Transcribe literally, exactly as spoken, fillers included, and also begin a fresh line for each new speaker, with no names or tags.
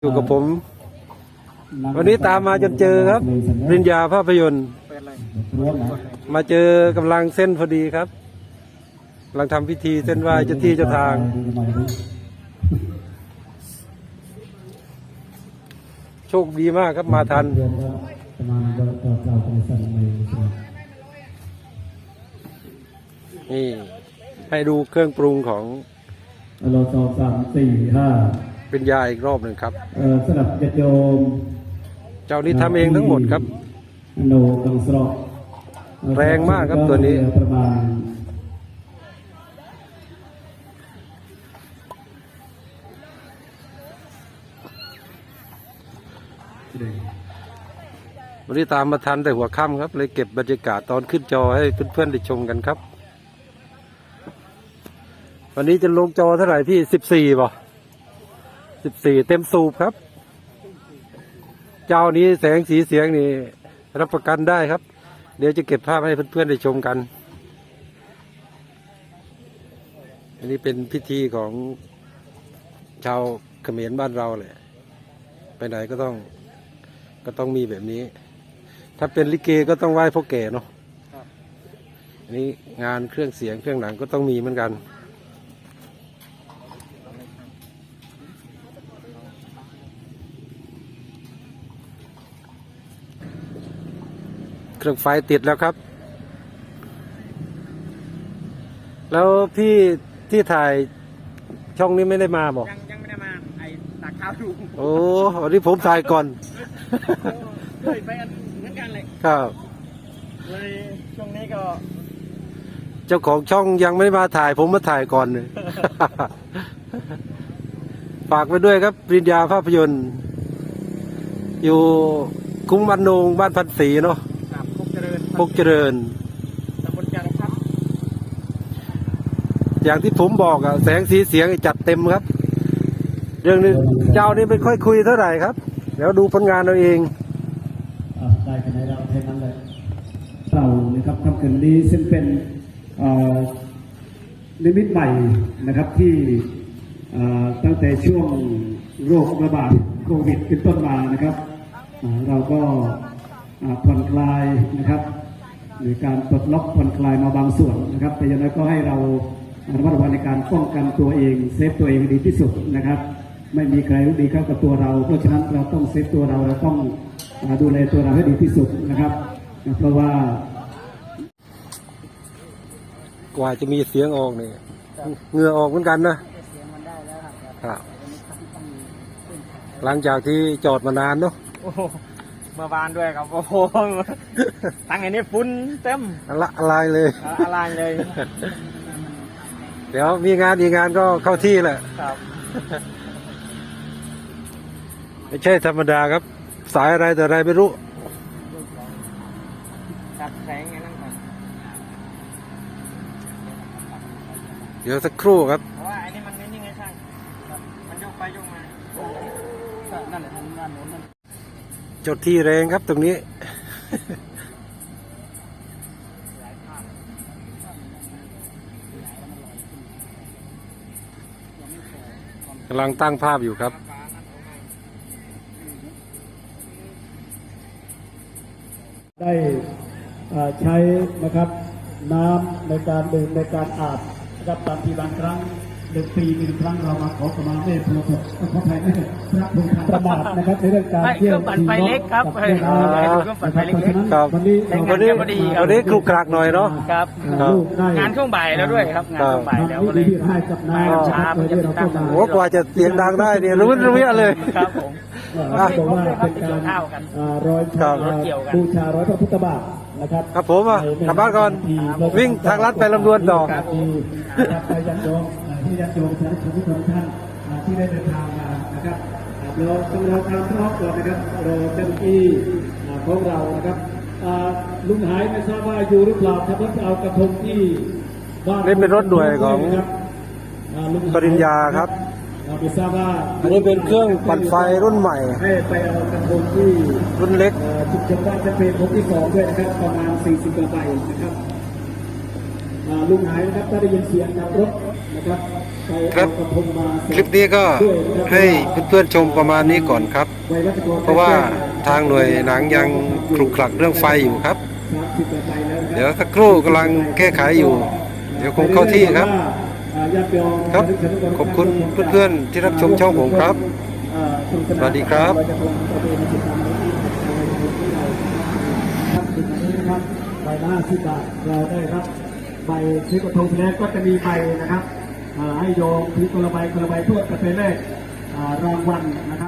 อยู่กับผมวันนี้ตามมาจนเจอครับปริญญาภาพยนตร์มาเจอกำลังเส้นพอดีครับกำลังทำพิธีเส้นไหว้เจ้าที่เจ้าทางโชคดีมากครับมาทันนี่ให้ดูเครื่องปรุงของ
เราสองสามสี่ห้า
เป็นยาอีกรอบหนึ่งครับ
เออสลับโยม
เจ้านี้ทำเองทั้งหมดครับ
โนกังสรอก
แรงมากครับตัวนี้
ประมาณ
วันนี้ตามมาทันแต่หัวค่ำครับเลยเก็บบรรยากาศตอนขึ้นจอให้เพื่อนๆได้ชมกันครับวันนี้จะลงจอเท่าไหร่พี่สิบสี่ป่ะสิบสี่เต็มสูบครับเจ้านี้แสงสีเสียงนี่รับประกันได้ครับเดี๋ยวจะเก็บภาพให้เพื่อนๆได้ชมกันอันนี้เป็นพิธีของชาวเขมรบ้านเราเลยไปไหนก็ต้องก็ต้องมีแบบนี้ถ้าเป็นลิเกก็ต้องไหว้พ่อแก่เนาะอันนี้งานเครื่องเสียงเครื่องหนังก็ต้องมีเหมือนกันเครื่องไฟติดแล้วครับแล้วพี่ที่ถ่ายช่องนี้ไม่ได้มาบอก
ยังยังไม่ได้มาไอ้ตักข้าวดู
โอ้วันนี้ผมถ่ายก่อน
เลยไปอันเหมือนกันเลย
ครับ
เลยช่วงนี้ก็
เจ้าของช่องยังไม่มาถ่ายผมมาถ่ายก่อนเลย ฝากไปด้วยครับปริญญาภาพยนตร์อยู่คุ้งบ้านโนงบ้านพันศรีเนาะ
พกเจริญ
พกเจริญ
ตำบลจางครับ
อย่างที่ผมบอกอะแสงสีเสียงจัดเต็มครับเรื่องนี้เจ้านี้ไม่ค่อยคุยเท่าไหร่ครับเดี๋ยวดูผลงานเราเอง
ได้กันในเราเท่านั้นเลยเรานะครับทำคืนนี้ซึ่งเป็นนิมิตใหม่นะครับที่ตั้งแต่ช่วงโรคระบาดโควิดเป็นต้นมานะครับเราก็ผ่อนคลายนะครับหรือการปลดล็อกผ่อนคลายมาบางส่วนนะครับแต่ยังไงก็ให้เราระมัดระวังในการป้องกันตัวเองเซฟตัวเองดีที่สุดนะครับไม่มีใครรู้ดีเข้ากับตัวเราเพราะฉะนั้นเราต้องเซฟตัวเราเราต้องดูแลตัวเราให้ดีที่สุดนะครับเพราะว่าก
ว่าจะมีเสียงออกเนี่ยเหงื่อออกเหมือนกันนะหลังจากที่จอดมานานเนาะ
เมื่อวานด้วยครับโอ้โหทั้งไอ้นี่ฟุ้นเต็ม
ละอะไรเลย
อะไรเลย
เดี๋ยวมีงานอีกงานก็เข้าที่แหละ
ครับ
ไม่ใช่ธรรมดาครับสายอะไรแต่อะไรไม่รู้
จับแสงไงนั่นก่อน
เดี๋ยวสักครู่ครับ
เพราะว่าไอ้นี่มันนิ่งไงช่างมันโยกไปโยกมานั่นแหละทำงานโน้นนั่น
จดที่แรงครับตรงนี้กำลังตั้งภาพอยู่ครับ
ได้ใช้นะครับน้ำในการดื่มในการอาบนะครับตามที่บางครั้งหนึ่งปีหนึ่งครั้งเรามาขอขมาแม่พระพุทธขออภัยแม่พระพุทธประมาทนะครับในเรื่องการเที่ยว
ปั่นไฟเล็กครับเครื่องปั่นไฟเล็ก
ครับวันนี้วันนี้วันนี้คลุกคลักหน่อยเนาะ
ครับงานช่วงบ่ายแล้วด้วยครับงานช่วงบ่ายแล้วก็เลยมาช้าเพื่อจะตั้ง
โอ้กว่าจะเสียงดังได้เนี่ยรู้รู้เลย
ครับผม
บอกว่าเป็นการร้อยบูชาร้อยพระพุทธบาทนะครับ
ครับผมอ่ะกลับบ้านก่อนวิ่งทางลัดไปลำดวนต่อ
ไปยันโยมที่ยันโยมท่านทุกท่านที่ได้เดินทางมานะครับเราต้องรอการพร้อมก่อนนะครับรอเจ้าหน้าที่ของเรานะครับลุงหายไม่ทราบว่าอยู่หรือเปล่าถ้าเพิ่งเอากระทงที่
นี่เป็นรถด่วนของปริญญาครับ
ไม่ทราบว่า
อันนี้เป็นเครื่องปั่นไฟรุ่นใหม่
ให้ไปเอากระทงที่
รุ่นเล็ก
จุดจำได้จะเป็นผมที่สองด้วยนะครับประมาณสี่สิบกว่าใบนะครับลุงหายนะครับถ้าได้ยินเสียงขับรถนะครับ
ครับคลิปนี้ก็ให้เพื่อนๆชมประมาณนี้ก่อนครับ เพราะว่าทางหน่วยหนังยังคลุกคลักเรื่องไฟอยู่ครับ เดี๋ยวสักครู่กำลังแก้ไขอยู่ เดี๋ยวคงเข้าที่ครับ ครับขอบคุณเพื่อนๆที่รับชมช่องผมครับ สวัสดีครับ
ใบละห้าสิบบาทเราได้รับใบซื้อกระทงแล้วก็จะมีใบนะครับให้โยมถือคนละใบคนละใบทั่วกันไปแรกรางวัลนะครับ